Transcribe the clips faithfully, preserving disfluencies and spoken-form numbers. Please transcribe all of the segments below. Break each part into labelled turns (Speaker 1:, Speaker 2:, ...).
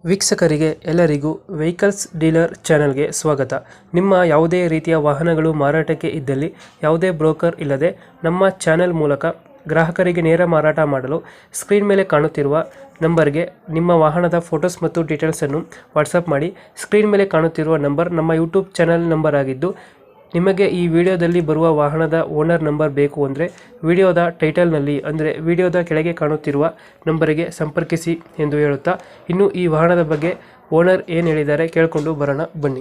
Speaker 1: ವೀಕ್ಷಕರಿಗೆ ಎಲ್ಲರಿಗೂ vehicles dealer ಚಾನೆಲ್ಗೆ ಸ್ವಾಗತ. ನಿಮ್ಮ ಯಾವುದೇ ರೀತಿಯ ವಾಹನಗಳು ಮಾರಾಟಕ್ಕೆ ಇದ್ದಲ್ಲಿ ಯಾವುದೇ ಬ್ರೋಕರ್ ಇಲ್ಲದೆ ನಮ್ಮ ಚಾನೆಲ್ ಮೂಲಕ ಗ್ರಾಹಕರಿಗೆ ನೇರ ಮಾರಾಟ ಮಾಡಲು ಸ್ಕ್ರೀನ್ ಮೇಲೆ ಕಾಣುತ್ತಿರುವ ನಂಬರ್ಗೆ ನಿಮ್ಮ ವಾಹನದ ಫೋಟೋಸ್ ಮತ್ತು ಡೀಟೇಲ್ಸನ್ನು ವಾಟ್ಸಪ್ ಮಾಡಿ. ಸ್ಕ್ರೀನ್ ಮೇಲೆ ಕಾಣುತ್ತಿರುವ ನಂಬರ್ ನಮ್ಮ ಯೂಟ್ಯೂಬ್ ಚಾನೆಲ್ ನಂಬರ್ ಆಗಿದ್ದು, ನಿಮಗೆ ಈ ವಿಡಿಯೋದಲ್ಲಿ ಬರುವ ವಾಹನದ ಓನರ್ ನಂಬರ್ ಬೇಕು ಅಂದರೆ ವಿಡಿಯೋದ ಟೈಟಲ್ನಲ್ಲಿ ಅಂದರೆ ವಿಡಿಯೋದ ಕೆಳಗೆ ಕಾಣುತ್ತಿರುವ ನಂಬರಿಗೆ ಸಂಪರ್ಕಿಸಿ ಎಂದು ಹೇಳುತ್ತಾ, ಇನ್ನು ಈ ವಾಹನದ ಬಗ್ಗೆ ಓನರ್ ಏನು ಹೇಳಿದ್ದಾರೆ ಕೇಳಿಕೊಂಡು ಬರೋಣ ಬನ್ನಿ.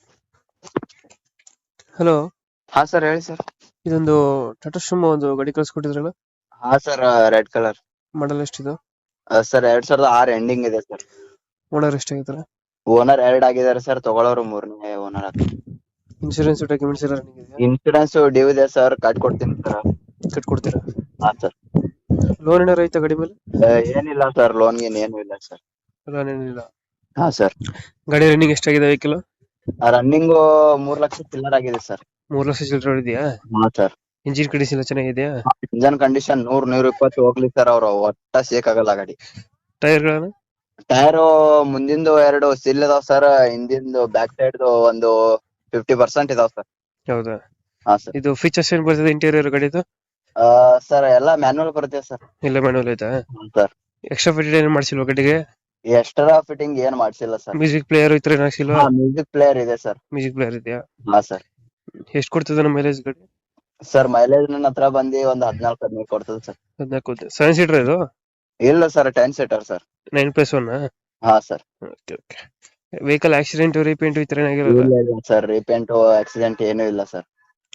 Speaker 1: ಹಲೋ.
Speaker 2: ಹಾ ಸರ್, ಹೇಳಿ ಸರ್.
Speaker 1: ಇದೊಂದು ಟಾಟಾ ಸುಮೋ ಒಂದು ಗಾಡಿ ಕಳಿಸ್ಕೊಟ್ಟಿದ್ರಲ್ಲ,
Speaker 2: ಹಾ ಸರ್, ರೆಡ್ ಕಲರ್
Speaker 1: ಮಾಡಲ್ ಎಷ್ಟಿದೆ
Speaker 2: ಸರ್? ಎರಡ್ ಸಾವಿರದ ಆರ್ ಎಂಡಿಂಗ್ ಇದೆ ಸರ್.
Speaker 1: ಓನರ್ ಎಷ್ಟಾಗಿದ್ದಾರೆ?
Speaker 2: ಓನರ್ ಎರಡ್ ಆಗಿದ್ದಾರೆ ಸರ್, ತಗೊಳ್ಳೋರು ಮೂರನೇ ಓನರ್ ಆಗ್ತಾರೆ.
Speaker 1: ಇನ್ಶೂರೆನ್ಸ್ ಡಾಕ್ಯುಮೆಂಟ್ಸ್ ಎಲ್ಲ ರನ್ನಿಂಗ್ ಇದೆಯಾ?
Speaker 2: ಇನ್ಸೂರೆನ್ಸ್ ಡ್ಯೂ ಇದೆ ಸರ್, ಕಟ್ಕೊಡ್ತೀನಿ ಸರ್.
Speaker 1: ಕಟ್ಕೊಡ್ತೀರಾ?
Speaker 2: ಹಾ ಸರ್.
Speaker 1: ಲೋನ್ ಏನಾರ ಐತಾ ಗಾಡಿ ಮೇಲೆ?
Speaker 2: ಏನಿಲ್ಲ ಸರ್, ಲೋನ್ ಗೀನ್ ಏನು ಇಲ್ಲ ಸರ್.
Speaker 1: ಲೋನ್ ಏನಿಲ್ಲ.
Speaker 2: ಹಾ ಸರ್.
Speaker 1: ಗಾಡಿ ರನ್ನಿಂಗ್ ಎಷ್ಟಾಗಿದೆ ವೆಹಿಕಲ್?
Speaker 2: ರನ್ನಿಂಗ್ ಮೂರ್ ಲಕ್ಷ ಚಿಲ್ಲರ್ ಆಗಿದೆ ಸರ್.
Speaker 1: ಮೂರು ಲಕ್ಷ ಚಿಲ್ಲರೆ ಇದೆಯಾ?
Speaker 2: ಹಾ ಸರ್.
Speaker 1: ಇಂಜಿನ್ ಕಂಡೀಷನ್ ಎಲ್ಲ ಚೆನ್ನಾಗಿದೆಯಾ?
Speaker 2: ಇಂಜನ್ ಕಂಡೀಷನ್ ನೂರ್ ನೂರ ಇಪ್ಪತ್ತು ಹೋಗ್ಲಿ ಸರ್, ಅವ್ರು ಒಟ್ಟ ಶೇಕ್ ಆಗಲ್ಲ ಗಾಡಿ.
Speaker 1: ಟೈರ್ಗಳನ್ನು?
Speaker 2: ಟೈರ್ ಮುಂದಿಂದು ಎರಡು ಸಿಲ್ ಇದಾವ್ ಸರ್, ಹಿಂದಿಂದು ಬ್ಯಾಕ್ ಸೈಡ್ ಒಂದು ಫಿಫ್ಟಿ ಪರ್ಸೆಂಟ್ ಇದಾವ್ ಸರ್.
Speaker 1: ಹೌದಾ?
Speaker 2: ಹಾ ಸರ್.
Speaker 1: ಇದು ಫೀಚರ್ಸ್ ಏನ್ ಬರ್ತದೆ ಇಂಟೀರಿಯರ್ ಗಾಡಿದು?
Speaker 2: ಆ ಸರ್, ಎಲ್ಲಾ ಮ್ಯಾನುವಲ್ ಬರುತ್ತೆ ಸರ್.
Speaker 1: ಎಲ್ಲ ಮ್ಯಾನುವಲ್ ಐತಾ?
Speaker 2: ಸರ್,
Speaker 1: ಎಕ್ಸ್ಟ್ರಾ ಫಿಟೆಡ್ ಏನು ಮಾಡಿಸಿಲ್ವಾ ಗಾಡಿಗೆ?
Speaker 2: ಎಕ್ಸ್ಟ್ರಾ ಫಿಟ್ಟಿಂಗ್ ಏನ್ ಮಾಡ್ಸಿಲ್ಲ ಸರ್.
Speaker 1: ಮ್ಯೂಸಿಕ್ ಪ್ಲೇಯರ್ ಈ ತರ ಏನು ಹಾಕ್ಸಿಲ್ವಾ?
Speaker 2: ಮ್ಯೂಸಿಕ್ ಪ್ಲೇಯರ್ ಇದೆ ಸರ್.
Speaker 1: ಮ್ಯೂಸಿಕ್ ಪ್ಲೇಯರ್ ಇದೆಯಾ?
Speaker 2: ಹಾ ಸರ್.
Speaker 1: ಎಷ್ಟು ಕೊಡ್ತದೆ ನಮ್ಮ ಮೈಲೇಜ್ ಗಾಡಿ?
Speaker 2: ಸರ್, ಮೈಲೇಜ್ ನನ್ನ ಹತ್ರ ಬಂದು ಒಂದ್ ಹದಿನಾಲ್ಕು ಹದಿನೈದು ಕೊಡ್ತದೆ ಸರ್.
Speaker 1: ಹದಿನಾಲ್ಕು. ಸೆವೆನ್ ಸೀಟರ್ ಇದು?
Speaker 2: ಇಲ್ಲ sir, ten seater sir.
Speaker 1: Nine plus one?
Speaker 2: ಹಾ sir.
Speaker 1: Okay okay. Vehicle accident repaint ಈ ತರ ಏನಾಗಿರೋದು?
Speaker 2: ಇಲ್ಲ ಸರ್, ರೀಪೇಂಟ್ ಆಕ್ಸಿಡೆಂಟ್ ಏನೂ ಇಲ್ಲ ಸರ್.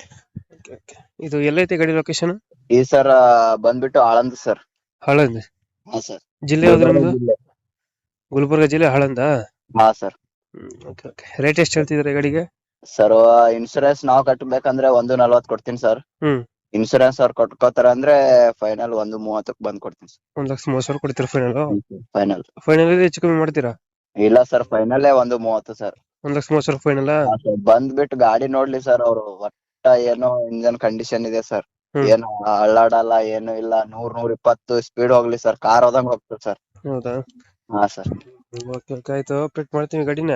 Speaker 1: Okay okay. ಇದು ಎಲ್ಲೈತೆ ಗಾಡಿ ಲೊಕೇಶನ್?
Speaker 2: ಈ ಸರ್ ಬಂದ್ಬಿಟ್ಟು ಆಳಂದ್ ಸರ್.
Speaker 1: ಆಳಂದ್?
Speaker 2: ಹಾ ಸರ್.
Speaker 1: ಜಿಲ್ಲೆ ಯಾವ್ದು ನಮ್ದು? ಗುಲ್ಬರ್ಗ ಜಿಲ್ಲೆ, ಆಳಂದ?
Speaker 2: ಹಾ ಸರ್.
Speaker 1: Okay okay. ರೇಟ್ ಎಷ್ಟು ಹೇಳ್ತಿದ್ರೆ ಗಾಡಿಗೆ?
Speaker 2: ಸರ್, ಇನ್ಸೂರೆನ್ಸ್ ನಾವ್ ಕಟ್ಟಬೇಕಂದ್ರೆ ಒಂದು ನಲ್ವತ್ ಕೊಡ್ತೀನಿ ಸರ್.
Speaker 1: ಹ್ಮ್.
Speaker 2: ಇನ್ಸೂರೆನ್ಸ್ ಅವ್ರು ಕೊಟ್ಕೋತಾರ ಅಂದ್ರೆ ಫೈನಲ್ ಒಂದು ಮೂವತ್ತಕ್ಕೆ ಬಂದ್ ಕೊಡ್ತೀನಿ ಸರ್.
Speaker 1: ಒಂದ್ ಲಕ್ಷ ಮೂವತ್ತು ಸಾವಿರ ಕೊಡ್ತೀರಾ ಫೈನಲ್?
Speaker 2: ಫೈನಲ್
Speaker 1: ಫೈನಲ್ ಹೆಚ್ಚು ಕಮ್ಮಿ ಮಾಡ್ತೀರಾ?
Speaker 2: ಇಲ್ಲ ಸರ್, ಫೈನಲ್ ಒಂದು ಮೂವತ್ತು ಸರ್.
Speaker 1: ಒಂದ್ ಲಕ್ಷ ಮೂವತ್ತು ಸಾವಿರ ಫೈನಲ್?
Speaker 2: ಬಂದ್ಬಿಟ್ಟು ಗಾಡಿ ನೋಡ್ಲಿ ಸರ್ ಅವ್ರು. ಒಟ್ಟ ಏನೋ ಇಂಜನ್ ಕಂಡೀಷನ್ ಇದೆ ಸರ್,
Speaker 1: ಹ್ಮ್.
Speaker 2: ಏನು ಅಳ್ಳಾಡಲ್ಲ, ಏನು ಇಲ್ಲ. ನೂರ್ ನೂರ್ ಇಪ್ಪತ್ತು ಸ್ಪೀಡ್ ಹೋಗ್ಲಿ ಸರ್, ಕಾರ್ ಹೋದಂಗ್ ಹೋಗ್ತದೆ ಸರ್.
Speaker 1: ಹೌದಾ?
Speaker 2: ಹಾ ಸರ್.
Speaker 1: ಓಕೆ ಓಕೆ, ಆಯ್ತು. ಅಪ್ಡೇಟ್ ಮಾಡ್ತೀವಿ ಗಾಡಿನ.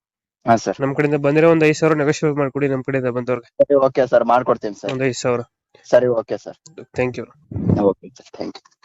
Speaker 2: ಹಾ ಸರ್.
Speaker 1: ನಮ್ ಕಡೆಯಿಂದ ಬಂದಿರೋ ಒಂದ್ ಐದು ಸಾವಿರ ನೆಗೋಷಿಯೇಟ್ ಮಾಡ್ಕೊಡಿ ನಮ್ ಕಡೆಯಿಂದ ಬಂದವ್ರಿಗೆ.
Speaker 2: ಸರಿ, ಓಕೆ ಸರ್, ಮಾಡ್ಕೊಡ್ತೀನಿ ಸರ್.
Speaker 1: ಒಂದ್ ಐದು ಸಾವಿರ.
Speaker 2: ಸರಿ, okay sir.
Speaker 1: Thank you.
Speaker 2: Okay sir, thank you.